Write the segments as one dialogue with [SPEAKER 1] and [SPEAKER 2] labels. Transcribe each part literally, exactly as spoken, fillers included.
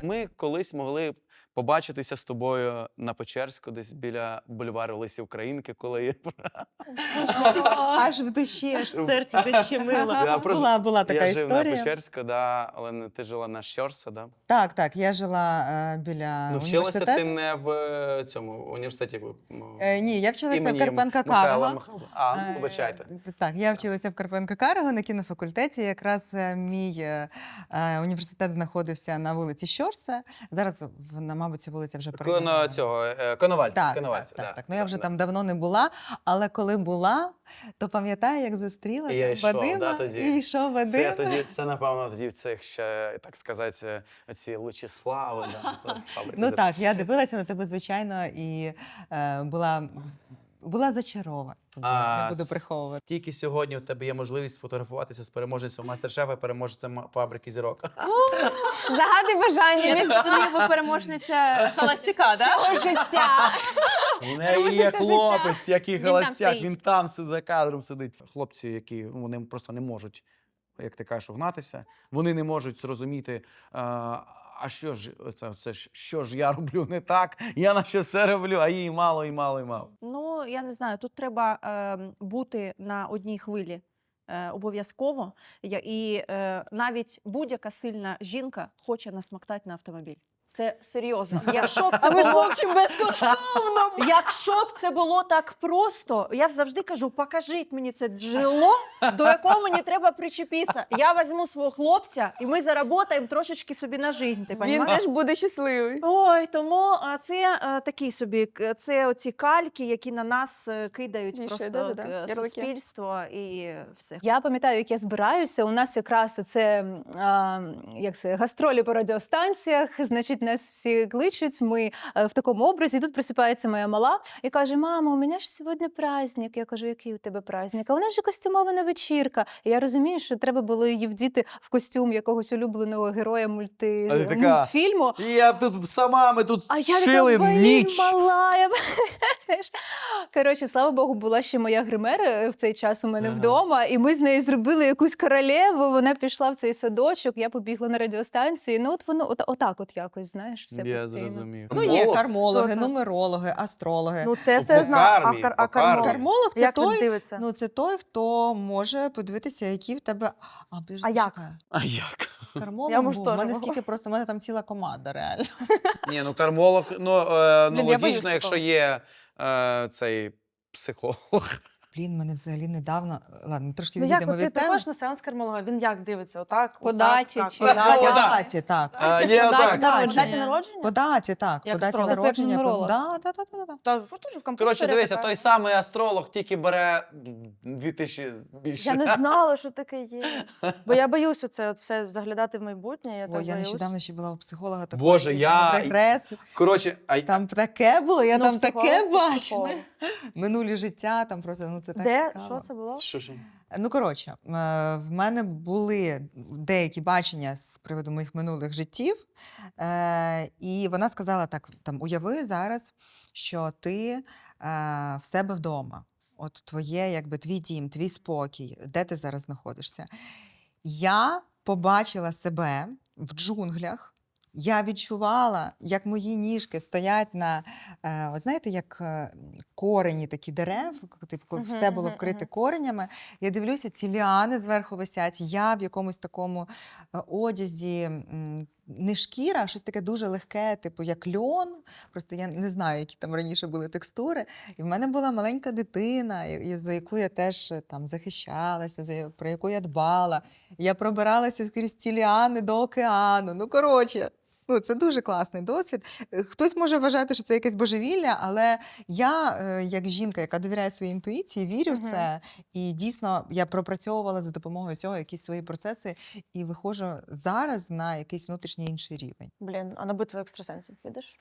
[SPEAKER 1] Ми колись могли побачитися з тобою на Печерську, десь біля бульвару Лесі Українки, коли
[SPEAKER 2] Аж в душі, аж в серці защемило.
[SPEAKER 1] Я просто-
[SPEAKER 2] Була, була така
[SPEAKER 1] я жив на
[SPEAKER 2] історія.
[SPEAKER 1] Печерську, да, але не- ти жила на Щорса, да?
[SPEAKER 2] Так, так, я жила е, біля
[SPEAKER 1] Ну, вчилася
[SPEAKER 2] університету.
[SPEAKER 1] ти не в е, цьому університеті. ну,
[SPEAKER 2] Е, ні, я вчилася
[SPEAKER 1] імені
[SPEAKER 2] в Карпенка
[SPEAKER 1] Михайла
[SPEAKER 2] Карого.
[SPEAKER 1] Михайла. А, ну,
[SPEAKER 2] Е,
[SPEAKER 1] вибачайте.
[SPEAKER 2] Так, я вчилася в Карпенка Карого на кінофакультеті. Якраз е, мій е, е, університет знаходився на вулиці Щорса. Зараз, в- на, мабуть, ця вулиця вже
[SPEAKER 1] Коно
[SPEAKER 2] перейменована.
[SPEAKER 1] цього, е, Коновальця.
[SPEAKER 2] Так,
[SPEAKER 1] Коновальця,
[SPEAKER 2] так, так,
[SPEAKER 1] да.
[SPEAKER 2] так. Ну я вже
[SPEAKER 1] Да,
[SPEAKER 2] там давно не була, але коли була, то пам'ятаю, як зустріла
[SPEAKER 1] І я
[SPEAKER 2] там
[SPEAKER 1] йшов,
[SPEAKER 2] Вадима,
[SPEAKER 1] да, тоді?
[SPEAKER 2] і йшов
[SPEAKER 1] Це,
[SPEAKER 2] Вадим.
[SPEAKER 1] тоді, це, напевно, тоді в цих ще, так сказати, оці Лучислави. Да, фабрики
[SPEAKER 2] Ну
[SPEAKER 1] зерна.
[SPEAKER 2] так, я дивилася на тебе, звичайно, і е, була, була зачарована. Не буду приховувати.
[SPEAKER 1] Стільки сьогодні у тебе є можливість сфотографуватися з переможницею мастер-шефа і переможцем фабрики зірок.
[SPEAKER 3] Загадуй бажання
[SPEAKER 4] Я
[SPEAKER 3] між
[SPEAKER 4] так розумію, ви переможниця холостяка, да?
[SPEAKER 3] цього життя.
[SPEAKER 1] У неї є
[SPEAKER 3] Переможниця
[SPEAKER 1] хлопець, який
[SPEAKER 3] Він там
[SPEAKER 1] холостяк,
[SPEAKER 3] стоїть.
[SPEAKER 1] він там сидить, за кадром сидить. Хлопці, які ну, вони просто не можуть, як ти кажеш, угнатися, вони не можуть зрозуміти, а, а що ж, це, це ж, що ж я роблю не так, я на що все роблю, а їй мало, і мало, і мало.
[SPEAKER 4] Ну, я не знаю, тут треба е, бути на одній хвилі е, обов'язково. Я- І е, навіть будь-яка сильна жінка хоче насмоктати на автомобіль. Це серйозно. Якщо б це було безкоштовно, якщо б це було так просто, я завжди кажу: покажіть мені це джерело, до якого мені треба причепитися. Я візьму свого хлопця, і ми заработаємо трошечки собі на життя. Ти
[SPEAKER 3] Він
[SPEAKER 4] понімаєш?
[SPEAKER 3] теж буде щасливий.
[SPEAKER 4] Ой, тому а, це а, такі собі, к- це оці кальки, які на нас е, кидають
[SPEAKER 3] Вішають,
[SPEAKER 4] просто
[SPEAKER 3] да-да-да,
[SPEAKER 4] е,
[SPEAKER 3] ярлики.
[SPEAKER 4] суспільство і все.
[SPEAKER 5] Я пам'ятаю, як я збираюся. У нас якраз це а, як це гастролі по радіостанціях. Значить, нас всі кличуть. Ми е, в такому образі. І тут присипається моя мала і каже: мама, у мене ж сьогодні праздник. Я кажу, який у тебе праздник? А у нас же костюмована вечірка. І я розумію, що треба було її вдіти в костюм якогось улюбленого героя мульти...
[SPEAKER 1] А ти така,
[SPEAKER 5] мультфільму.
[SPEAKER 1] І я тут сама, ми тут
[SPEAKER 5] А я
[SPEAKER 1] шили
[SPEAKER 5] така, блін,
[SPEAKER 1] ніч.
[SPEAKER 5] мала. Я... знаєш. Коротше, слава Богу, була ще моя гример е, в цей час у мене
[SPEAKER 1] Ага.
[SPEAKER 5] вдома, і ми з нею зробили якусь королеву, вона пішла в цей садочок, я побігла на радіостанції. Ну от воно от, отак от якось, знаєш, все
[SPEAKER 1] Я
[SPEAKER 5] постійно.
[SPEAKER 1] зрозумів.
[SPEAKER 2] Ну, є
[SPEAKER 1] Молот.
[SPEAKER 2] кармологи,
[SPEAKER 4] Хто це?
[SPEAKER 2] нумерологи, астрологи.
[SPEAKER 4] Ну це
[SPEAKER 1] Ну,
[SPEAKER 4] все
[SPEAKER 1] по
[SPEAKER 4] знаю. А,
[SPEAKER 1] кармі,
[SPEAKER 4] кар-
[SPEAKER 1] по
[SPEAKER 4] а кармолог?
[SPEAKER 1] кармі.
[SPEAKER 2] Кармолог це
[SPEAKER 4] Як він
[SPEAKER 2] той,
[SPEAKER 4] дивиться?
[SPEAKER 2] ну, це той, хто може подивитися, які в тебе. А, подожди,
[SPEAKER 4] А як?
[SPEAKER 2] почекай.
[SPEAKER 1] А як?
[SPEAKER 2] Кармолог
[SPEAKER 4] Я, може,
[SPEAKER 2] був. У
[SPEAKER 4] теж
[SPEAKER 2] мене
[SPEAKER 4] могла.
[SPEAKER 2] скільки просто, у мене там ціла команда, реально.
[SPEAKER 1] Ні, ну кармолог, ну, е, ну
[SPEAKER 4] Блін, я боюсь
[SPEAKER 1] логічно, якщо
[SPEAKER 4] такого.
[SPEAKER 1] є е, цей психолог.
[SPEAKER 2] Блін, мене взагалі недавно. Ладно, трошки
[SPEAKER 6] Ну як,
[SPEAKER 2] відійдемо
[SPEAKER 6] от ти
[SPEAKER 2] від теми.
[SPEAKER 6] приходиш на сеанс кармолога, він як дивиться? Отак?
[SPEAKER 3] По
[SPEAKER 6] отак,
[SPEAKER 3] даті
[SPEAKER 6] так,
[SPEAKER 3] чи-
[SPEAKER 6] по
[SPEAKER 1] Так,
[SPEAKER 6] даті?
[SPEAKER 1] по
[SPEAKER 2] По
[SPEAKER 1] да-
[SPEAKER 2] даті, так.
[SPEAKER 1] А, є
[SPEAKER 3] По
[SPEAKER 1] отак.
[SPEAKER 3] даті
[SPEAKER 6] По
[SPEAKER 2] народження.
[SPEAKER 6] даті народження?
[SPEAKER 2] По даті, так.
[SPEAKER 6] Як
[SPEAKER 2] По даті
[SPEAKER 6] астролог.
[SPEAKER 2] народження.
[SPEAKER 3] Як
[SPEAKER 2] По...
[SPEAKER 3] нумеролог.
[SPEAKER 2] Да, да, да, да, да.
[SPEAKER 6] Та що теж в комп'ютері
[SPEAKER 1] Коротше, дивися,
[SPEAKER 6] така?
[SPEAKER 1] той самий астролог тільки бере дві тисячі більше.
[SPEAKER 6] Я не знала, що таке є. Бо я боюсь оце от все заглядати в майбутнє. Я
[SPEAKER 2] О,
[SPEAKER 6] так
[SPEAKER 2] я
[SPEAKER 6] боюсь.
[SPEAKER 2] нещодавно ще була у психолога такого.
[SPEAKER 1] Боже,
[SPEAKER 2] який
[SPEAKER 1] я-
[SPEAKER 2] був регрес.
[SPEAKER 1] Коротше, а й-
[SPEAKER 2] Там таке було, я
[SPEAKER 6] Ну,
[SPEAKER 2] там
[SPEAKER 6] психолог
[SPEAKER 2] таке
[SPEAKER 6] це
[SPEAKER 2] бачила.
[SPEAKER 6] психолог.
[SPEAKER 2] Минулі життя, там просто, ну це так
[SPEAKER 6] Де?
[SPEAKER 2] цікаво.
[SPEAKER 6] Що це було?
[SPEAKER 1] що ж?
[SPEAKER 2] Ну, коротше, е, в мене були деякі бачення з приводу моїх минулих життів, е, і вона сказала так, там, уяви зараз, що ти е, в себе вдома, от твоє, якби, твій дім, твій спокій, де ти зараз знаходишся. Я побачила себе в джунглях, я відчувала, як мої ніжки стоять на, е, от знаєте, як е, корені такі дерев, типу, коли
[SPEAKER 6] Мгм,
[SPEAKER 2] все було
[SPEAKER 6] мгм,
[SPEAKER 2] вкрите
[SPEAKER 6] мгм.
[SPEAKER 2] коренями. Я дивлюся, ці ліани зверху висять, я в якомусь такому е, одязі, м, не шкіра, а щось таке дуже легке, типу як льон. Просто я не знаю, які там раніше були текстури. І в мене була маленька дитина, і- і за яку я теж е, там захищалася, за я- про яку я дбала. Я пробиралася скрізь ці ліани до океану. Ну, коротше. Ну, це дуже класний досвід. Е, Хтось може вважати, що це якесь божевілля, але я, е, як жінка, яка довіряє своїй інтуїції, вірю в
[SPEAKER 6] Мгм.
[SPEAKER 2] це. І дійсно я пропрацьовувала за допомогою цього якісь свої процеси і виходжу зараз на якийсь внутрішній інший рівень.
[SPEAKER 6] Блін, а на битву екстрасенсів підеш?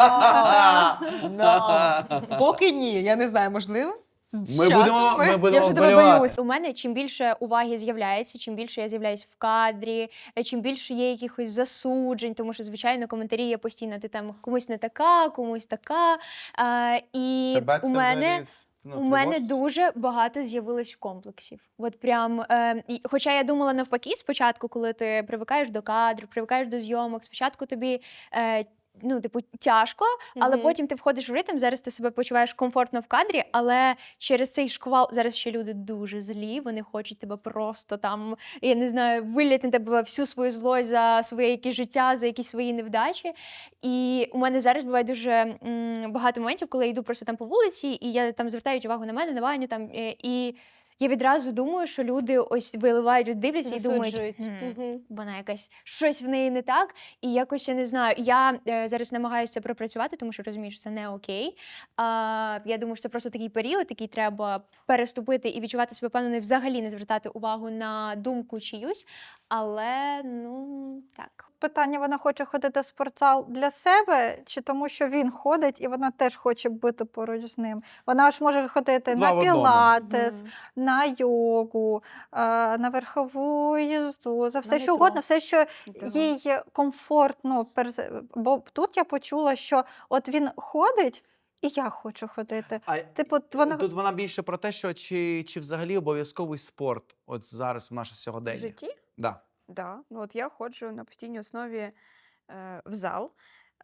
[SPEAKER 2] Но! Но! Поки ні, я не знаю, можливо. З
[SPEAKER 1] Ми
[SPEAKER 2] часом
[SPEAKER 1] будемо, ми
[SPEAKER 6] Я
[SPEAKER 1] будемо
[SPEAKER 6] вже тебе
[SPEAKER 1] вболівати.
[SPEAKER 6] боюсь.
[SPEAKER 3] У мене чим більше уваги з'являється, чим більше я з'являюсь в кадрі, е, чим більше є якихось засуджень, тому що, звичайно, коментарі є постійно, ти там комусь не така, комусь така. А, і
[SPEAKER 1] Тебе
[SPEAKER 3] у
[SPEAKER 1] це
[SPEAKER 3] мене
[SPEAKER 1] взагалі ну,
[SPEAKER 3] У мене
[SPEAKER 1] тривожишся?
[SPEAKER 3] дуже багато з'явилось комплексів. От прям, е, і, хоча я думала навпаки, спочатку, коли ти привикаєш до кадру, привикаєш до зйомок, спочатку тобі. Е, Ну, типу, тяжко, але
[SPEAKER 6] Мгм.
[SPEAKER 3] потім ти входиш в ритм, зараз ти себе почуваєш комфортно в кадрі, але через цей шквал зараз ще люди дуже злі, вони хочуть тебе просто там, я не знаю, вилляти на тебе всю свою злость за своє якесь життя, за якісь свої невдачі. І у мене зараз буває дуже м, багато моментів, коли я йду просто там по вулиці, і я там звертають увагу на мене, на Ваню там, е, і я відразу думаю, що люди ось виливають, дивляться і думають,
[SPEAKER 6] Засуджують.
[SPEAKER 3] «Хм,
[SPEAKER 6] Мгм.
[SPEAKER 3] вона якась щось в неї не так. І якось я не знаю. Я е, зараз намагаюся це пропрацювати, тому що розумію, що це не окей. А, я думаю, що це просто такий період, який треба переступити і відчувати себе впевненою, взагалі не звертати увагу на думку чиюсь. Але ну так.
[SPEAKER 7] Питання: вона хоче ходити в спортзал для себе, чи тому, що він ходить, і вона теж хоче бути поруч з ним. Вона ж може ходити
[SPEAKER 1] Два в
[SPEAKER 7] на
[SPEAKER 1] одному.
[SPEAKER 7] пілатес,
[SPEAKER 2] Мгм.
[SPEAKER 7] на йогу, е, на верхову їзду, за все, що
[SPEAKER 2] метро.
[SPEAKER 7] угодно, все, що
[SPEAKER 6] Да.
[SPEAKER 7] їй комфортно. перз- Бо тут я почула, що от він ходить, і я хочу ходити.
[SPEAKER 1] А
[SPEAKER 7] Типу, от вона
[SPEAKER 1] тут вона більше про те, що чи, чи взагалі обов'язковий спорт от зараз в наше
[SPEAKER 8] В
[SPEAKER 1] сьогодення.
[SPEAKER 8] житті?
[SPEAKER 1] Да.
[SPEAKER 8] Да. Ну, от я ходжу на постійній основі е, в зал. Е,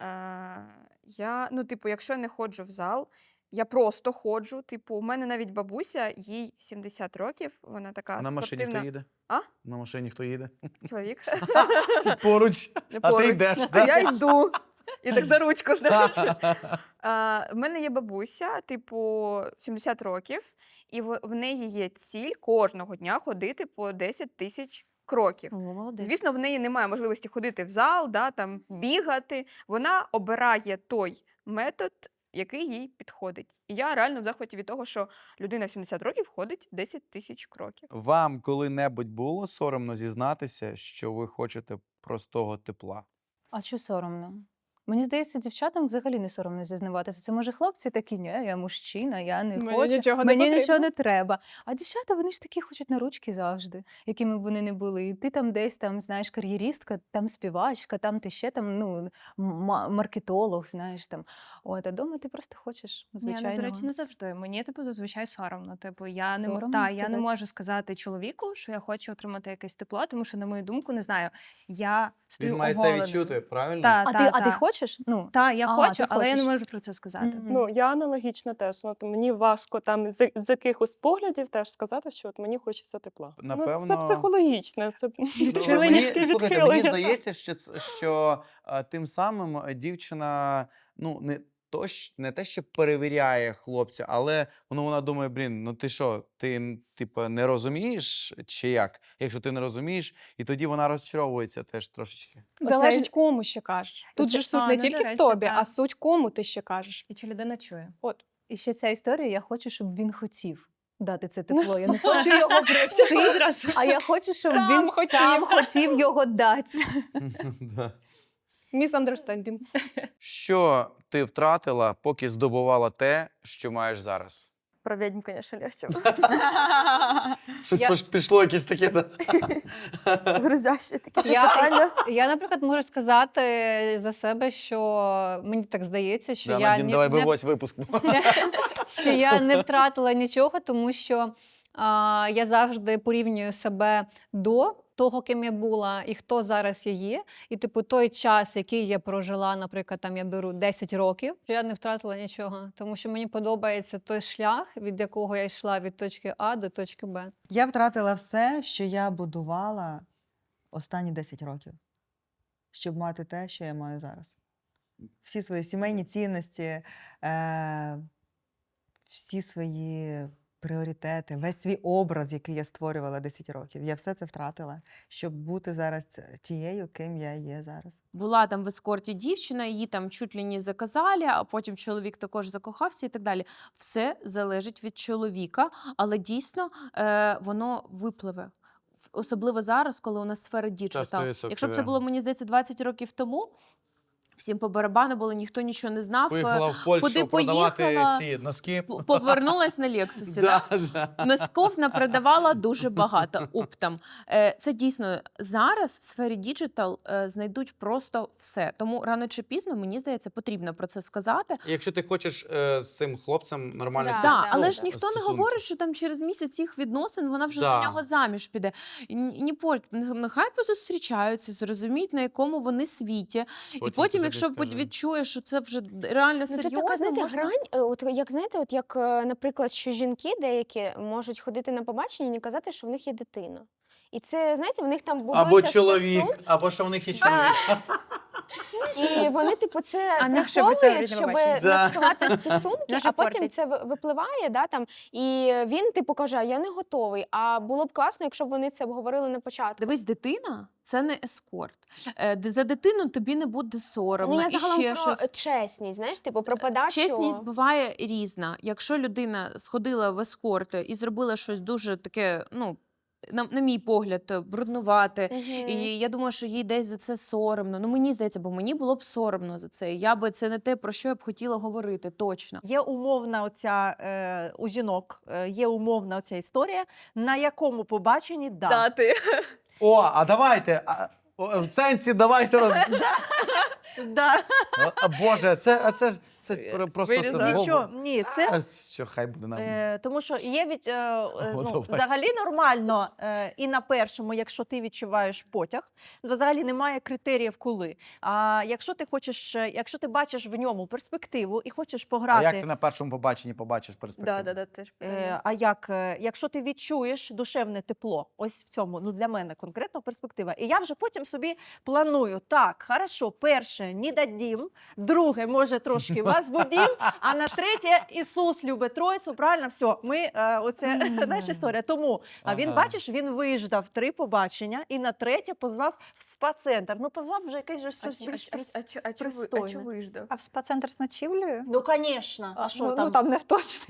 [SPEAKER 8] я, ну, типу, якщо я не ходжу в зал, я просто ходжу. Типу, у мене навіть бабуся, їй сімдесят років, вона така
[SPEAKER 1] А на машині
[SPEAKER 8] спортивна.
[SPEAKER 1] хто їде?
[SPEAKER 8] А?
[SPEAKER 1] На машині хто їде?
[SPEAKER 8] Чоловік.
[SPEAKER 1] Поруч. А ти
[SPEAKER 8] Поруч.
[SPEAKER 1] йдеш.
[SPEAKER 8] А я йду. І так за ручку, знаєш.
[SPEAKER 1] Да?
[SPEAKER 8] А, в мене є бабуся, типу, сімдесят років, і в, в неї є ціль кожного дня ходити по десять тисяч кроків.
[SPEAKER 4] О, молодець.
[SPEAKER 8] Звісно, в неї немає можливості ходити в зал, да, там, бігати. Вона обирає той метод, який їй підходить. І я реально в захваті від того, що людина в сімдесят років ходить десять тисяч кроків.
[SPEAKER 1] Вам коли-небудь було соромно зізнатися, що ви хочете простого тепла?
[SPEAKER 5] А що соромно? Мені здається, дівчатам взагалі не соромно зізнаватися. Це може хлопці такі, ні, я мужчина, я не
[SPEAKER 6] Мені
[SPEAKER 5] хочу,
[SPEAKER 6] нічого не
[SPEAKER 5] мені
[SPEAKER 6] потрібно».
[SPEAKER 5] нічого не треба. А дівчата, вони ж такі хочуть на ручки завжди, якими б вони не були. І ти там десь там, знаєш, кар'єристка, там співачка, там ти ще там, ну, ма- маркетолог, знаєш там. От, а дома ти просто хочеш
[SPEAKER 9] Ні,
[SPEAKER 5] звичайного.
[SPEAKER 9] ну, до речі, не завжди. Мені, типу, зазвичай соромно. Типу, я не, мо-
[SPEAKER 5] Соромно
[SPEAKER 9] та, я не
[SPEAKER 5] сказати?
[SPEAKER 9] можу сказати чоловіку, що я хочу отримати якесь тепло, тому що, на мою думку, не знаю, я стою
[SPEAKER 1] Він має це
[SPEAKER 9] оголеною.
[SPEAKER 1] відчути, правильно?
[SPEAKER 9] Та,
[SPEAKER 5] А,
[SPEAKER 9] та,
[SPEAKER 5] ти,
[SPEAKER 9] та.
[SPEAKER 5] а ти хочеш? Ну,
[SPEAKER 9] Та, я
[SPEAKER 5] А,
[SPEAKER 9] хочу,
[SPEAKER 5] ти
[SPEAKER 9] але я не
[SPEAKER 5] хочеш.
[SPEAKER 9] можу про це сказати.
[SPEAKER 5] Мгм.
[SPEAKER 6] Ну, я аналогічно теж. Ну, от мені важко там з, з якихось поглядів теж сказати, що от мені хочеться тепла. Ну,
[SPEAKER 1] Напевно-
[SPEAKER 6] це психологічне, це
[SPEAKER 1] Ну,
[SPEAKER 6] відхилення,
[SPEAKER 1] мені,
[SPEAKER 6] шки
[SPEAKER 1] слухайте, мені
[SPEAKER 6] відхилення.
[SPEAKER 1] здається, що, ц- що е, тим самим е, дівчина ну, не, то, щ- не те, що перевіряє хлопця, але воно вона думає, блін, ну ти що, ти м, типу, не розумієш чи як? Якщо ти не розумієш, і тоді вона розчаровується теж трошечки.
[SPEAKER 10] Залежить, кому ще кажеш. Тут
[SPEAKER 9] Оце-
[SPEAKER 10] же ж суть
[SPEAKER 9] а,
[SPEAKER 10] не
[SPEAKER 9] ну, до
[SPEAKER 10] тільки в
[SPEAKER 9] речі,
[SPEAKER 10] тобі,
[SPEAKER 9] так.
[SPEAKER 10] а суть кому ти ще кажеш.
[SPEAKER 9] І чи людина чує?
[SPEAKER 10] От.
[SPEAKER 5] І ще ця історія, я хочу, щоб він хотів дати це тепло. Я не хочу його просити, а я хочу, щоб
[SPEAKER 10] Сам
[SPEAKER 5] він
[SPEAKER 10] хотів.
[SPEAKER 5] сам хотів його дати.
[SPEAKER 1] Да.
[SPEAKER 10] Misunderstanding.
[SPEAKER 1] Що ти втратила, поки здобувала те, що маєш зараз?
[SPEAKER 6] Про відьм, звісно, легче.
[SPEAKER 1] Щось
[SPEAKER 5] Я-
[SPEAKER 1] пош- пішло якесь таке. да?
[SPEAKER 6] Грузяще таке
[SPEAKER 5] Я,
[SPEAKER 6] питання.
[SPEAKER 5] я, наприклад, можу сказати за себе, що мені так здається, що
[SPEAKER 1] Да,
[SPEAKER 5] я
[SPEAKER 1] Надін,
[SPEAKER 5] ні-
[SPEAKER 1] давай
[SPEAKER 5] не,
[SPEAKER 1] вивозь випуск.
[SPEAKER 5] що я не втратила нічого, тому що а, я завжди порівнюю себе до того, ким я була, і хто зараз я є. І, типу, той час, який я прожила, наприклад, там я беру десять років, що я не втратила нічого, тому що мені подобається той шлях, від якого я йшла від точки А до точки Б.
[SPEAKER 2] Я втратила все, що я будувала останні десять років, щоб мати те, що я маю зараз. Всі свої сімейні цінності, е- всі свої пріоритети, весь свій образ, який я створювала десять років. Я все це втратила, щоб бути зараз тією, ким я є зараз.
[SPEAKER 11] Була там в ескорті дівчина, її там чуть ли не заказали, а потім чоловік також закохався і так далі. Все залежить від чоловіка, але дійсно е, воно випливе. В- Особливо зараз, коли у нас сфера діджитал.
[SPEAKER 1] сто відсотків,
[SPEAKER 11] Якщо б це
[SPEAKER 1] да.
[SPEAKER 11] було, мені здається, двадцять років тому, Всім по барабану було, ніхто нічого не знав.
[SPEAKER 1] Поїхала в Польщу
[SPEAKER 11] куди
[SPEAKER 1] продавати
[SPEAKER 11] поїхала?
[SPEAKER 1] ці носки.
[SPEAKER 11] П- Повернулась на Лексусі.
[SPEAKER 1] Да,
[SPEAKER 11] Да?
[SPEAKER 1] да.
[SPEAKER 11] Носков напродавала дуже багато оптом. Е, Це дійсно зараз в сфері діджитал е, знайдуть просто все. Тому рано чи пізно, мені здається, потрібно про це сказати.
[SPEAKER 1] Якщо ти хочеш е, з цим хлопцем нормально
[SPEAKER 3] Да,
[SPEAKER 11] Так,
[SPEAKER 3] да,
[SPEAKER 11] але
[SPEAKER 3] да.
[SPEAKER 11] ж ніхто не
[SPEAKER 1] стосунки.
[SPEAKER 11] говорить, що там через місяць їх відносин вона вже
[SPEAKER 1] Да.
[SPEAKER 11] за нього заміж піде. Ні, ні, по- нехай позустрічаються, зрозуміють, на якому вони світі. І
[SPEAKER 1] Потім
[SPEAKER 11] потім,
[SPEAKER 1] ти
[SPEAKER 11] якщо
[SPEAKER 1] собі скажи.
[SPEAKER 11] відчуєш, що це вже реально
[SPEAKER 12] Ну,
[SPEAKER 11] серйозно,
[SPEAKER 12] тут така, знаєте,
[SPEAKER 11] можна...
[SPEAKER 12] грань, е, от як знаєте, от як, е, наприклад, що жінки деякі можуть ходити на побачення і не казати, що в них є дитина. І це, знаєте, в них там будується
[SPEAKER 1] Або чоловік,
[SPEAKER 12] стосунки,
[SPEAKER 1] або що в них є чоловік.
[SPEAKER 12] і вони, типу, це
[SPEAKER 3] А на що ви сьогодні
[SPEAKER 12] приховують,
[SPEAKER 3] на
[SPEAKER 12] щоб
[SPEAKER 3] побачення?
[SPEAKER 1] Да.
[SPEAKER 12] не псувати стосунки,
[SPEAKER 3] Дуже
[SPEAKER 12] а потім
[SPEAKER 3] портить.
[SPEAKER 12] це ви- випливає, да, там, і він, типу, каже, «А я не готовий. А було б класно, якщо б вони це обговорили на початку.
[SPEAKER 11] Дивись, дитина – це не ескорт. Е, де- За дитину тобі не буде соромно.
[SPEAKER 12] Ну, я
[SPEAKER 11] і
[SPEAKER 12] загалом
[SPEAKER 11] ще
[SPEAKER 12] про
[SPEAKER 11] щось.
[SPEAKER 12] чесність, знаєш, типу, про подачу.
[SPEAKER 11] Чесність буває різна. Якщо людина сходила в ескорт і зробила щось дуже таке, ну, на, на мій погляд, бруднувате,
[SPEAKER 12] Мгм.
[SPEAKER 11] і я думаю, що їй десь за це соромно. Ну, мені здається, бо мені було б соромно за це. Я би це не те, про що я б хотіла говорити, точно.
[SPEAKER 4] Є умовна оця е, у жінок, е, є умовна оця історія, на якому побаченні да.
[SPEAKER 6] Дати.
[SPEAKER 1] О, а давайте. А, о, в сенсі давайте. роз-
[SPEAKER 4] Да.
[SPEAKER 1] А, а, Боже, це, а це, це про- просто це.
[SPEAKER 6] Вирізати.
[SPEAKER 1] во-
[SPEAKER 4] Нічого, ні, це
[SPEAKER 1] А, що хай буде нам.
[SPEAKER 4] Е, тому що є від, е, е,
[SPEAKER 1] О,
[SPEAKER 4] ну,
[SPEAKER 1] давай.
[SPEAKER 4] взагалі нормально е, і на першому, якщо ти відчуваєш потяг, то взагалі немає критеріїв коли. А якщо ти хочеш, е, якщо ти бачиш в ньому перспективу і хочеш
[SPEAKER 1] А
[SPEAKER 4] пограти.
[SPEAKER 1] як ти на першому побаченні побачиш перспективу?
[SPEAKER 8] Да, да, да, теж
[SPEAKER 4] Е,
[SPEAKER 8] питання.
[SPEAKER 4] а як, е, якщо ти відчуєш душевне тепло, ось в цьому, ну для мене конкретно перспектива. І я вже потім собі планую, так, хорошо, перше, не дадім, друге, може, трошки вас будім, а на третє, Ісус любить Троїцю, правильно, все, ми, е, оце, знаєш, історія. Тому, а він,
[SPEAKER 1] Ага.
[SPEAKER 4] бачиш, він виждав три побачення і на третє позвав в спа-центр. Ну, позвав вже якесь же
[SPEAKER 8] А
[SPEAKER 4] щось
[SPEAKER 8] чо-
[SPEAKER 4] більш
[SPEAKER 8] а-
[SPEAKER 4] прис-
[SPEAKER 8] а чо- а чо ви- а
[SPEAKER 4] пристойне.
[SPEAKER 8] чо виждав?
[SPEAKER 7] А в спа-центр з ночівлею?
[SPEAKER 4] Ну, звісно, а що
[SPEAKER 7] ну,
[SPEAKER 4] там?
[SPEAKER 7] ну там не точно.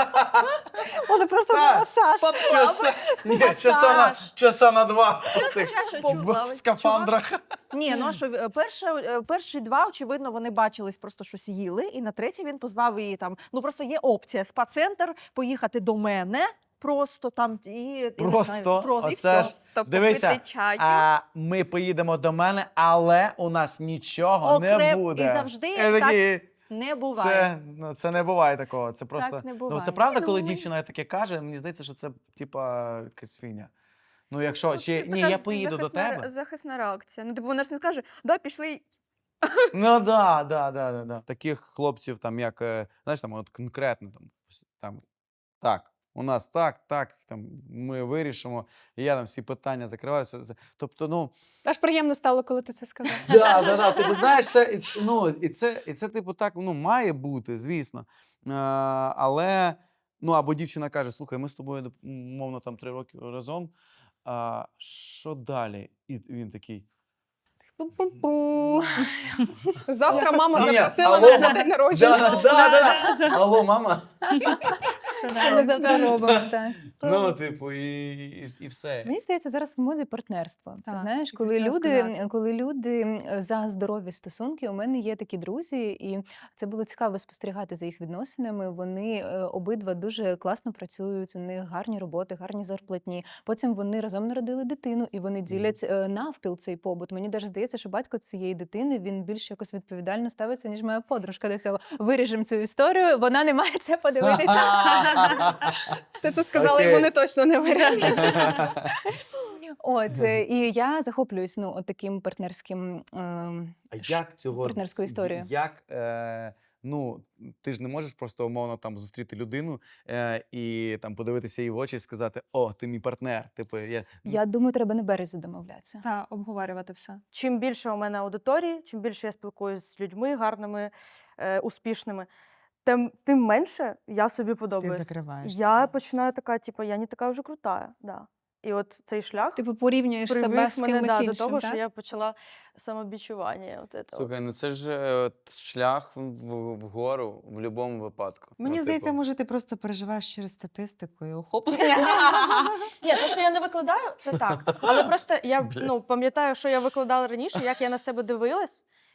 [SPEAKER 7] Може, просто
[SPEAKER 1] Так.
[SPEAKER 7] на масаж.
[SPEAKER 1] Часа, ні, часа на, часа на два в цих
[SPEAKER 4] чаша
[SPEAKER 1] в-
[SPEAKER 4] чула,
[SPEAKER 1] в скафандрах.
[SPEAKER 4] Ні, ну а що е, перше, е, перші два, очевидно, вони бачились, просто щось їли, і на третій він позвав її там. Ну просто є опція спа-центр, поїхати до мене. Просто там і я не
[SPEAKER 1] Просто?
[SPEAKER 4] знаю, просто і
[SPEAKER 1] Оце
[SPEAKER 4] все.
[SPEAKER 1] ж-
[SPEAKER 8] Тобто
[SPEAKER 1] Дивися,
[SPEAKER 8] попити чаю.
[SPEAKER 1] а ми поїдемо до мене, але у нас нічого не
[SPEAKER 4] Окрем-
[SPEAKER 1] буде.
[SPEAKER 4] і завжди
[SPEAKER 1] Я
[SPEAKER 4] так
[SPEAKER 1] такий,
[SPEAKER 4] Не буває.
[SPEAKER 1] Це, ну, це не буває такого. Це просто.
[SPEAKER 4] Так не
[SPEAKER 1] Ну,
[SPEAKER 4] буває.
[SPEAKER 1] це правда,
[SPEAKER 4] Ні,
[SPEAKER 1] коли
[SPEAKER 4] ну, ми-
[SPEAKER 1] дівчина таке каже, мені здається, що це типа якась фігня. Ну, якщо
[SPEAKER 8] Ну,
[SPEAKER 1] чи
[SPEAKER 8] це
[SPEAKER 1] ні,
[SPEAKER 8] така
[SPEAKER 1] я поїду до
[SPEAKER 8] захисна ре-
[SPEAKER 1] тебе.
[SPEAKER 8] Захисна реакція. Ну, типу, вона ж не скаже, да, пішли.
[SPEAKER 1] Ну да, да, да, да, да. Таких хлопців, там, як, е, знаєш, там, от конкретно там, ось там так, у нас так, так, там ми вирішимо, і я там всі питання закриваю. все- все. Тобто, ну.
[SPEAKER 10] Аж приємно стало, коли ти це сказав.
[SPEAKER 1] Да, да, да. Типу, знаєш, це, і це, ну, і це, і це, типу, так, ну, має бути, звісно. Е, але, ну, або дівчина каже, слухай, ми з тобою, мовно, там три роки разом, а що далі? І він такий.
[SPEAKER 10] Пу-пу-пу. Завтра мама
[SPEAKER 1] Ні,
[SPEAKER 10] запросила
[SPEAKER 1] алло,
[SPEAKER 10] нас на
[SPEAKER 1] ма-
[SPEAKER 10] день народження.
[SPEAKER 1] Да, да, да. Алло, мама.
[SPEAKER 5] Ми завтра робимо, так.
[SPEAKER 1] Ну, типу, і, і, і все.
[SPEAKER 5] Мені здається, зараз в моді партнерство. Ти
[SPEAKER 2] Так,
[SPEAKER 5] знаєш,
[SPEAKER 2] тільки
[SPEAKER 5] коли
[SPEAKER 2] хотіла
[SPEAKER 5] люди,
[SPEAKER 2] сказати.
[SPEAKER 5] коли люди м, за здорові стосунки, у мене є такі друзі, і це було цікаво спостерігати за їх відносинами. Вони е, обидва дуже класно працюють, у них гарні роботи, гарні зарплатні. Потім вони разом народили дитину, і вони ділять е, навпіл цей побут. Мені навіть здається, що батько цієї дитини він більш якось відповідально ставиться, ніж моя подружка до цього. Виріжемо цю історію, вона не має це подивитися.
[SPEAKER 10] Ти це сказала,
[SPEAKER 1] Окей.
[SPEAKER 10] і вони точно не вирішать.
[SPEAKER 5] От е, і я захоплююсь ну от таким партнерським. ем,
[SPEAKER 1] А як цього
[SPEAKER 5] партнерську історію.
[SPEAKER 1] Як, е, ну, ти ж не можеш просто умовно там зустріти людину е, і там подивитися їй в очі і сказати: о, ти мій партнер. Типу, я,
[SPEAKER 5] Я думаю, треба на березі домовлятися.
[SPEAKER 9] Та обговорювати все.
[SPEAKER 6] Чим більше у мене аудиторії, чим більше я спілкуюся з людьми гарними, е, успішними, тим, тим менше я собі
[SPEAKER 2] Ти
[SPEAKER 6] подобаюсь.
[SPEAKER 2] закриваєш.
[SPEAKER 6] Я починаю така, типу, я не така вже крута. Да. І от цей шлях
[SPEAKER 9] Типу порівнюєш себе
[SPEAKER 6] привів
[SPEAKER 9] з
[SPEAKER 6] мене
[SPEAKER 9] кимось
[SPEAKER 6] да, до
[SPEAKER 9] іншим,
[SPEAKER 6] того,
[SPEAKER 9] так?
[SPEAKER 6] що я почала самобічування. От це от.
[SPEAKER 1] Слухай, ну це ж е, от шлях в- в- вгору в будь-якому випадку.
[SPEAKER 2] Мені
[SPEAKER 1] Ну,
[SPEAKER 2] здається,
[SPEAKER 1] типу,
[SPEAKER 2] може, ти просто переживаєш через статистику і охоплення.
[SPEAKER 6] Ні, те, що я не викладаю, це так. Але просто я
[SPEAKER 1] Бля.
[SPEAKER 6] ну, пам'ятаю, що я викладала раніше, як я на себе дивилась,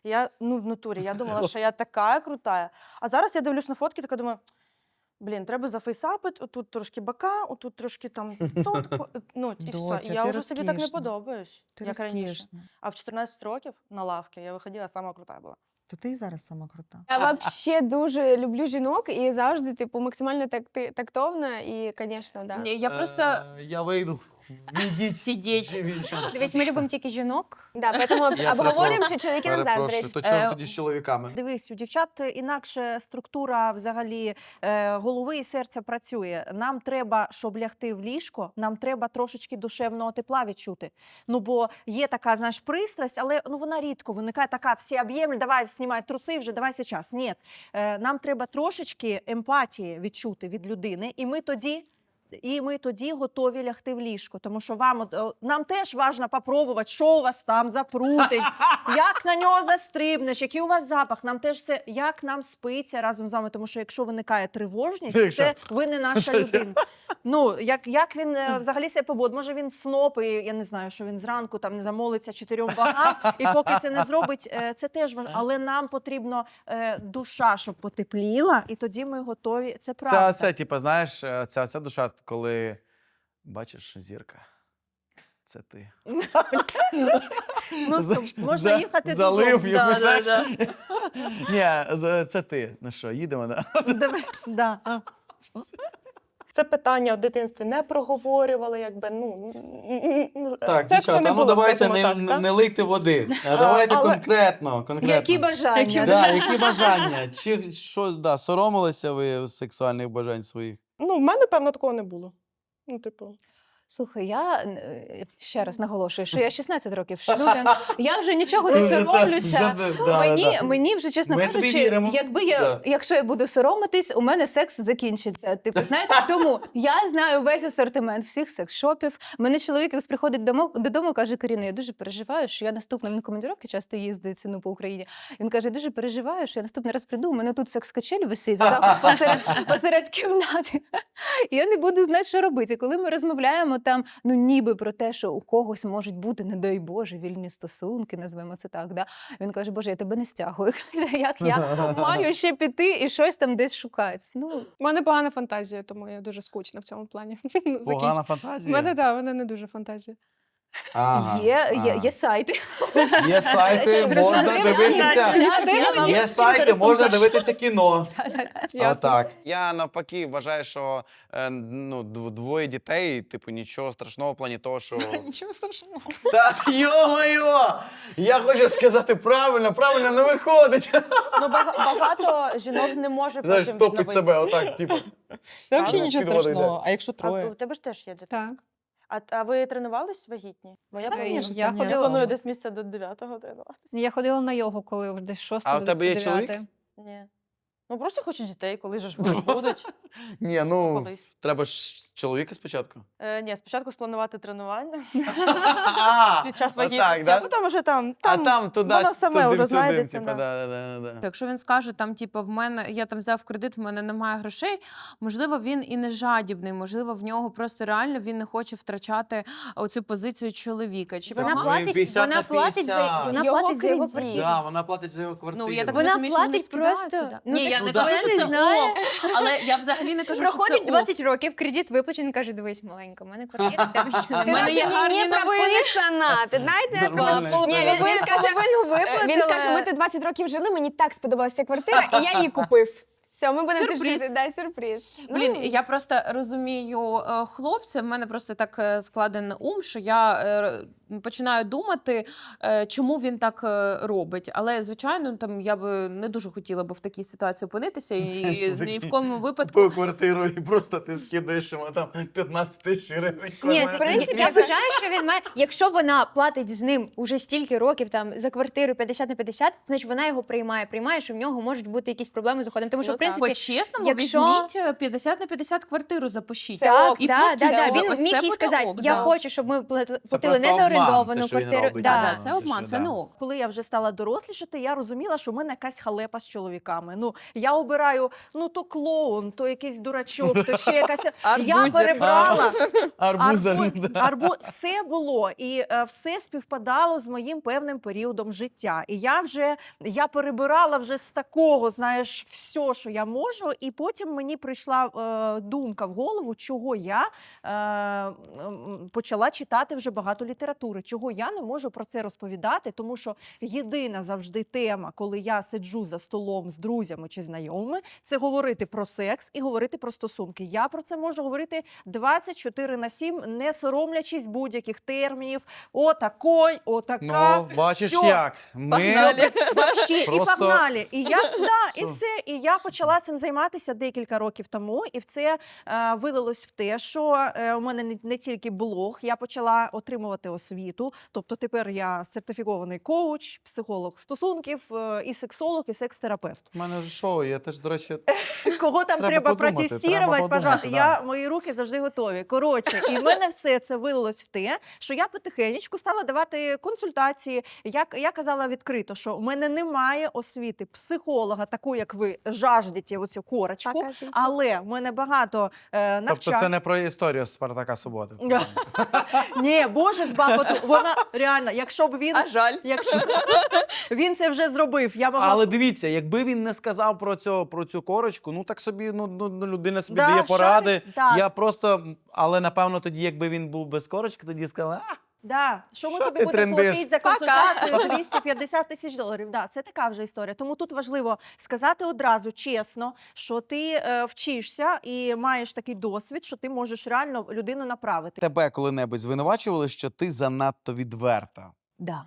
[SPEAKER 6] Я, ну, в натурі, я думала, що я така крута. А зараз я дивлюсь на фотки, така думаю, блін, треба зафейсапити, отут трошки бока, отут трошки там цотку, ну, і все.
[SPEAKER 2] Доця,
[SPEAKER 6] І я
[SPEAKER 2] ти
[SPEAKER 6] вже собі так не
[SPEAKER 2] розкішна.
[SPEAKER 6] подобаюсь,
[SPEAKER 2] Ти
[SPEAKER 6] як раніше.
[SPEAKER 2] розкішна.
[SPEAKER 6] А в чотирнадцять років на лавки я виходила, сама крута була.
[SPEAKER 2] То ти і зараз сама крута.
[SPEAKER 12] Я взагалі дуже люблю жінок і завжди, типу, максимально такти- тактовна і, звісно, да.
[SPEAKER 11] Ні, я просто
[SPEAKER 1] Е, Я вийду. Відіть.
[SPEAKER 11] сидіть.
[SPEAKER 3] Дивись, ми любимо тільки жінок.
[SPEAKER 12] Да, поэтому
[SPEAKER 1] Я
[SPEAKER 12] обговорюємо, що чоловіки нам
[SPEAKER 1] Перепрошую,
[SPEAKER 12] заздрять.
[SPEAKER 1] то чого
[SPEAKER 11] Е,
[SPEAKER 1] тоді з чоловіками?
[SPEAKER 4] Дивись, у дівчат інакше структура взагалі е, голови і серця працює. Нам треба, щоб лягти в ліжко, нам треба трошечки душевного тепла відчути. Ну бо є така, знаєш, пристрасть, але ну вона рідко виникає така, всі об'ємлі, давай знімай труси вже, давай зараз. Ні, е, нам треба трошечки емпатії відчути від людини, і ми тоді. І ми тоді готові лягти в ліжко, тому що вам от, о, нам теж важливо попробувати, що у вас там запрутить, як на нього застрибнеш, який у вас запах. Нам теж це, як нам спиться разом з вами, тому що якщо виникає тривожність,
[SPEAKER 1] Якщо.
[SPEAKER 4] це ви не наша людина. Ну, як, як він е, взагалі себе поводить? Може він сноп, і я не знаю, що він зранку там не замолиться чотирьом богам, і поки це не зробить, е, це теж важливо. Але нам потрібно е, душа, щоб потепліла, і тоді ми готові. Це правда.
[SPEAKER 1] Це, це, типу, знаєш, е, ця, ця душа, коли бачиш зірка. Це ти.
[SPEAKER 4] Ну,
[SPEAKER 1] За-
[SPEAKER 4] все, можна
[SPEAKER 1] за-
[SPEAKER 4] їхати
[SPEAKER 1] залив
[SPEAKER 4] додому.
[SPEAKER 1] якусь,
[SPEAKER 4] Да, да,
[SPEAKER 1] знаєш. Ні, з- це ти. Ну що, їдемо, да?
[SPEAKER 4] да. Давай, да. а.
[SPEAKER 6] Це питання в дитинстві не проговорювали, якби, ну...
[SPEAKER 1] Так,
[SPEAKER 6] сексу
[SPEAKER 1] дівчата,
[SPEAKER 6] не
[SPEAKER 1] ну
[SPEAKER 6] було,
[SPEAKER 1] давайте
[SPEAKER 6] скажімо
[SPEAKER 1] не,
[SPEAKER 6] так,
[SPEAKER 1] не,
[SPEAKER 6] так?
[SPEAKER 1] не лийте води. А давайте
[SPEAKER 6] але-
[SPEAKER 1] конкретно, конкретно.
[SPEAKER 5] Які бажання?
[SPEAKER 1] Да, які бажання? Чи що, да, соромилися ви сексуальних бажань своїх?
[SPEAKER 6] Ну, в мене, певно, такого не було. Ну, типу...
[SPEAKER 5] Слухай, я е, ще раз наголошую, що я шістнадцять років в шлюбі. Я вже нічого не соромлюся.
[SPEAKER 1] Вже, да,
[SPEAKER 5] Мені,
[SPEAKER 1] да.
[SPEAKER 5] мені вже, чесно
[SPEAKER 1] Ми тобі
[SPEAKER 5] кажучи,
[SPEAKER 1] віримо.
[SPEAKER 5] якби я,
[SPEAKER 1] Да.
[SPEAKER 5] якщо я буду соромитись, у мене секс закінчиться. Типу, знаєте, тому я знаю весь асортимент всіх секс-шопів. Мене чоловік якось приходить домо- додому, каже: Каріна, я дуже переживаю, що я наступна, він командировки часто їздить ну, по Україні. Він каже, я дуже переживаю, що я наступний раз прийду, у мене тут секс-качель висить отак посеред, посеред кімнати. І я не буду знати, що робити. І коли ми розмовляємо там, ну ніби про те, що у когось можуть бути, не дай Боже, вільні стосунки, назвемо це так. Да? Він каже, Боже, я тебе не стягую. Каже, як я маю ще піти і щось там десь шукати. Ну,
[SPEAKER 10] У мене погана фантазія, тому я дуже скучна в цьому плані. Ну,
[SPEAKER 1] Погана
[SPEAKER 10] закінч- У
[SPEAKER 1] фантазія?
[SPEAKER 10] мене, так, вона не дуже фантазія.
[SPEAKER 1] Ага,
[SPEAKER 5] є, є,
[SPEAKER 1] ага.
[SPEAKER 5] є сайти.
[SPEAKER 1] Є сайти, можна дивитися. Є сайти, можна дивитися кіно.
[SPEAKER 10] Ясно.
[SPEAKER 1] Отак. Я навпаки вважаю, що е, ну, дв- двоє дітей, типу, нічого страшного в плані того, що.
[SPEAKER 2] Нічого страшного.
[SPEAKER 1] Та йо-моє! Я хочу сказати правильно, правильно не виходить.
[SPEAKER 6] Ну, бага- багато жінок не може
[SPEAKER 1] Знаєш,
[SPEAKER 6] потім
[SPEAKER 1] топить
[SPEAKER 6] відновити.
[SPEAKER 1] себе отак, типу.
[SPEAKER 2] Та
[SPEAKER 1] А,
[SPEAKER 2] взагалі
[SPEAKER 1] ну,
[SPEAKER 2] нічого
[SPEAKER 1] під воду
[SPEAKER 2] страшного.
[SPEAKER 1] йде.
[SPEAKER 2] А якщо
[SPEAKER 6] А
[SPEAKER 2] троє?
[SPEAKER 6] у тебе ж теж є дитина?
[SPEAKER 10] Так.
[SPEAKER 6] А, а ви тренувались вагітні? Бо я,
[SPEAKER 2] Та
[SPEAKER 6] планую-
[SPEAKER 2] ні, щось
[SPEAKER 10] я
[SPEAKER 2] там ні
[SPEAKER 10] ходила-
[SPEAKER 6] я планую
[SPEAKER 2] особо.
[SPEAKER 6] десь місця до дев'ятого тренувати.
[SPEAKER 10] Я ходила на йогу, коли вже десь шосте.
[SPEAKER 1] А в тебе є чоловік?
[SPEAKER 6] Ні. Ну просто хочу дітей, коли ж вони будуть.
[SPEAKER 1] Ні, ну,
[SPEAKER 6] Колись.
[SPEAKER 1] треба ж чоловіка спочатку.
[SPEAKER 6] Е, ні, спочатку спланувати тренування
[SPEAKER 1] А,
[SPEAKER 6] під час
[SPEAKER 1] отак,
[SPEAKER 6] вагітності,
[SPEAKER 1] да?
[SPEAKER 6] а потім вже там,
[SPEAKER 1] А
[SPEAKER 6] там,
[SPEAKER 1] там туди,
[SPEAKER 6] воно саме
[SPEAKER 1] туди
[SPEAKER 6] вже
[SPEAKER 1] сюди,
[SPEAKER 6] знайдеться.
[SPEAKER 1] типу,
[SPEAKER 6] да.
[SPEAKER 1] да, да, да, да.
[SPEAKER 11] Якщо він скаже, там, типу, в мене я там взяв кредит, в мене немає грошей, можливо, він і не жадібний, можливо, в нього просто реально він не хоче втрачати оцю позицію чоловіка. Чи
[SPEAKER 3] Вона
[SPEAKER 1] Так,
[SPEAKER 11] помагає?
[SPEAKER 1] ну,
[SPEAKER 3] платить,
[SPEAKER 1] п'ятдесят
[SPEAKER 3] вона
[SPEAKER 1] на
[SPEAKER 3] платить за
[SPEAKER 1] п'ятдесят.
[SPEAKER 3] вона
[SPEAKER 12] Його
[SPEAKER 3] платить за його
[SPEAKER 12] кредит.
[SPEAKER 3] квартиру.
[SPEAKER 1] Да, вона платить за його квартиру.
[SPEAKER 11] Ну, я так
[SPEAKER 3] Вона
[SPEAKER 11] розумію, що вони
[SPEAKER 3] платить
[SPEAKER 11] скидаються,
[SPEAKER 3] просто-
[SPEAKER 11] да.
[SPEAKER 3] ну,
[SPEAKER 11] Ні,
[SPEAKER 3] так
[SPEAKER 11] я не
[SPEAKER 1] вона
[SPEAKER 11] кажу,
[SPEAKER 3] не
[SPEAKER 11] що це
[SPEAKER 3] знає.
[SPEAKER 11] ок, але я взагалі не кажу, що
[SPEAKER 3] Проходить
[SPEAKER 11] це ок.
[SPEAKER 3] двадцять років, кредит виплачений, каже, дивись, маленька, у мене квартира, в тебе нічого
[SPEAKER 12] Ти
[SPEAKER 11] В мене
[SPEAKER 3] немає.
[SPEAKER 11] є
[SPEAKER 12] наче
[SPEAKER 11] гарні
[SPEAKER 12] не
[SPEAKER 11] новини.
[SPEAKER 12] прописана. Ти знаєте,
[SPEAKER 1] Нормальна
[SPEAKER 12] Ні,
[SPEAKER 1] історія.
[SPEAKER 12] він, він скаже,
[SPEAKER 3] половину виплатила.
[SPEAKER 12] він скаже, ми тут двадцять років жили, мені так сподобалася ця квартира, і я її купив. Все, ми будемо тут
[SPEAKER 11] Сюрприз.
[SPEAKER 12] жити. Дай сюрприз.
[SPEAKER 11] Блін,
[SPEAKER 12] Ну,
[SPEAKER 11] я просто розумію е, хлопця, в мене просто так е, складений ум, що я е, починаю думати, е, чому він так е, робить. Але, звичайно, там я би не дуже хотіла би в такій ситуації опинитися і
[SPEAKER 1] Знаєш,
[SPEAKER 11] ні
[SPEAKER 1] такі
[SPEAKER 11] в кому випадку.
[SPEAKER 1] Купив квартиру і просто ти скидаєш йому там п'ятнадцять тисяч гривень.
[SPEAKER 3] Ні,
[SPEAKER 1] кожен
[SPEAKER 3] в принципі, я
[SPEAKER 1] місяць.
[SPEAKER 3] вважаю, що він має. Якщо вона платить з ним уже стільки років там за квартиру п'ятдесят на п'ятдесят, значить вона його приймає. Приймає, що в нього можуть бути якісь проблеми з уходом. Тому що,
[SPEAKER 6] Ну,
[SPEAKER 3] в принципі,
[SPEAKER 11] По-чесному,
[SPEAKER 3] якщо-
[SPEAKER 11] візьміть е, п'ятдесят на п'ятдесят квартиру запишіть.
[SPEAKER 3] Так,
[SPEAKER 11] І
[SPEAKER 3] да,
[SPEAKER 11] потім
[SPEAKER 3] да, да.
[SPEAKER 11] ось
[SPEAKER 3] Він
[SPEAKER 11] це
[SPEAKER 3] міг їй
[SPEAKER 11] буде
[SPEAKER 3] сказати,
[SPEAKER 11] ок,
[SPEAKER 3] я
[SPEAKER 11] да.
[SPEAKER 3] хочу, щоб ми плати-
[SPEAKER 1] Це
[SPEAKER 3] платили
[SPEAKER 1] просто
[SPEAKER 3] не за
[SPEAKER 1] обман,
[SPEAKER 3] орендовану
[SPEAKER 1] те, що він
[SPEAKER 3] квартиру.
[SPEAKER 1] робить.
[SPEAKER 3] Да.
[SPEAKER 11] Да, це обман,
[SPEAKER 1] що,
[SPEAKER 11] це
[SPEAKER 1] да.
[SPEAKER 11] не ок.
[SPEAKER 4] Коли я вже стала дорослішати, я розуміла, що в мене якась халепа з чоловіками. Ну, я обираю, ну, то клоун, то якийсь дурачок, то ще якась... Я
[SPEAKER 11] Арбузер.
[SPEAKER 4] перебрала.
[SPEAKER 1] Арбузер.
[SPEAKER 4] Арбу-
[SPEAKER 1] да.
[SPEAKER 4] арбу... Все було, і е, все співпадало з моїм певним періодом життя. І я вже я перебирала вже з такого, знаєш, все, що я можу. І потім мені прийшла е, думка в голову, чого я е, м, почала читати вже багато літератури, чого я не можу про це розповідати, тому що єдина завжди тема, коли я сиджу за столом з друзями чи знайомими, це говорити про секс і говорити про стосунки. Я про це можу говорити двадцять чотири на сім, не соромлячись будь-яких термінів. Отакой, отака.
[SPEAKER 1] Ну, бачиш
[SPEAKER 4] всьо.
[SPEAKER 1] як. Ми
[SPEAKER 4] Погнали. Вообще, і
[SPEAKER 1] Просто
[SPEAKER 4] погнали. І я, да, і
[SPEAKER 1] Су-
[SPEAKER 4] все. І я почала цим займатися декілька років тому, і в це е, вилилось в те, що е, у мене не, не тільки блог, я почала отримувати освіту. Тобто тепер я сертифікований коуч, психолог стосунків, е, і сексолог, і секс-терапевт.
[SPEAKER 1] У мене ж шоу, я теж, до речі,
[SPEAKER 4] Кого там
[SPEAKER 1] Треба
[SPEAKER 4] треба,
[SPEAKER 1] подумати, треба
[SPEAKER 4] протестувати,
[SPEAKER 1] подумати,
[SPEAKER 4] пожалуйста.
[SPEAKER 1] да.
[SPEAKER 4] Я, мої руки завжди готові. Коротше, і в мене все це вилилось в те, що я потихенечку стала давати консультації. Я, я казала відкрито, що у мене немає освіти психолога, такої, як ви жаждете оцю корочку,
[SPEAKER 7] Покажіть.
[SPEAKER 4] але в мене багато е, навчань.
[SPEAKER 1] тобто це не про історію Спартака Суботи.
[SPEAKER 4] Ні, Боже, з Бахоту, вона реально, якщо б він,
[SPEAKER 8] А жаль.
[SPEAKER 4] якщо він це вже зробив, я могла б-
[SPEAKER 1] Але дивіться, якби він не сказав про цю, про цю корочку, ну так собі, ну, ну ну, людина собі
[SPEAKER 4] Да,
[SPEAKER 1] дає поради.
[SPEAKER 4] шариш, так.
[SPEAKER 1] Я просто, але напевно тоді, якби він був без корочки, тоді сказали, а,
[SPEAKER 4] Да, що ми
[SPEAKER 1] Що
[SPEAKER 4] тобі
[SPEAKER 1] ти
[SPEAKER 4] будемо
[SPEAKER 1] трендиш?
[SPEAKER 4] платити за консультацію двісті п'ятдесят тисяч доларів. Да, це така вже історія. Тому тут важливо сказати одразу чесно, що ти е, вчишся і маєш такий досвід, що ти можеш реально людину направити.
[SPEAKER 1] тебе коли-небудь звинувачували, що ти занадто відверта?
[SPEAKER 5] Да.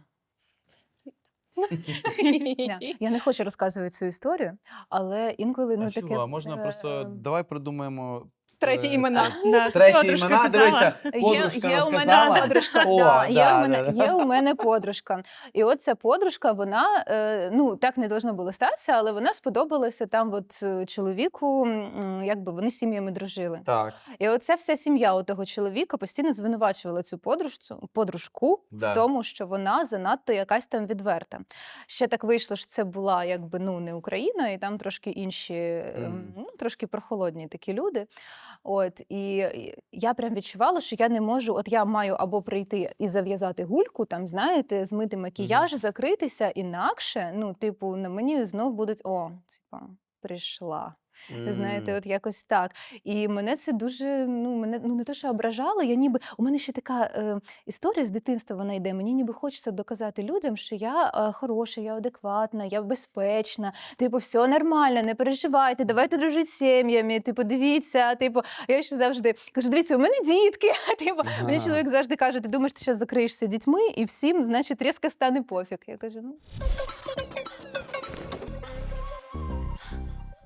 [SPEAKER 5] Да. Я не хочу розказувати цю історію, але інколи ну
[SPEAKER 1] а
[SPEAKER 5] таке.
[SPEAKER 1] чого? А можна
[SPEAKER 5] е,
[SPEAKER 1] просто, давай придумаємо...
[SPEAKER 10] Треті
[SPEAKER 1] е,
[SPEAKER 10] імена.
[SPEAKER 1] це- Треті імена, дивися,
[SPEAKER 5] Є,
[SPEAKER 1] подружка
[SPEAKER 5] є у мене
[SPEAKER 1] розказала.
[SPEAKER 5] подружка.
[SPEAKER 1] О,
[SPEAKER 5] да, є,
[SPEAKER 1] да,
[SPEAKER 5] у мене,
[SPEAKER 1] да, да.
[SPEAKER 5] є у мене подружка. І от ця подружка, вона, е, ну, так не должно було статися, але вона сподобалася там от е, чоловіку, м, якби вони з сім'ями дружили.
[SPEAKER 1] Так.
[SPEAKER 5] І оця вся сім'я у того чоловіка постійно звинувачувала цю подружцю, подружку
[SPEAKER 1] Да.
[SPEAKER 5] в тому, що вона занадто якась там відверта. Ще так вийшло, що це була якби ну не Україна, і там трошки інші, ем,
[SPEAKER 1] Мгм.
[SPEAKER 5] ну трошки прохолодні такі люди. От і і я прям відчувала, що я не можу. От я маю або прийти і зав'язати гульку, там знаєте, змити макіяж, закритися, інакше, ну, типу, на мені знов будуть о, типа, прийшла. Знаєте, от якось так. І мене це дуже, ну, мене ну не те, що ображало, я ніби, у мене ще така е, історія з дитинства вона йде, мені ніби хочеться доказати людям, що я е, хороша, я адекватна, я безпечна, типу, все нормально, не переживайте, давайте дружити з сім'ями, типу, дивіться, типу, я ще завжди кажу, дивіться, у мене дітки, типу, мені
[SPEAKER 1] Ага.
[SPEAKER 5] чоловік завжди каже, ти думаєш, ти зараз закриєшся дітьми і всім, значить, різко стане пофіг. Я кажу, ну,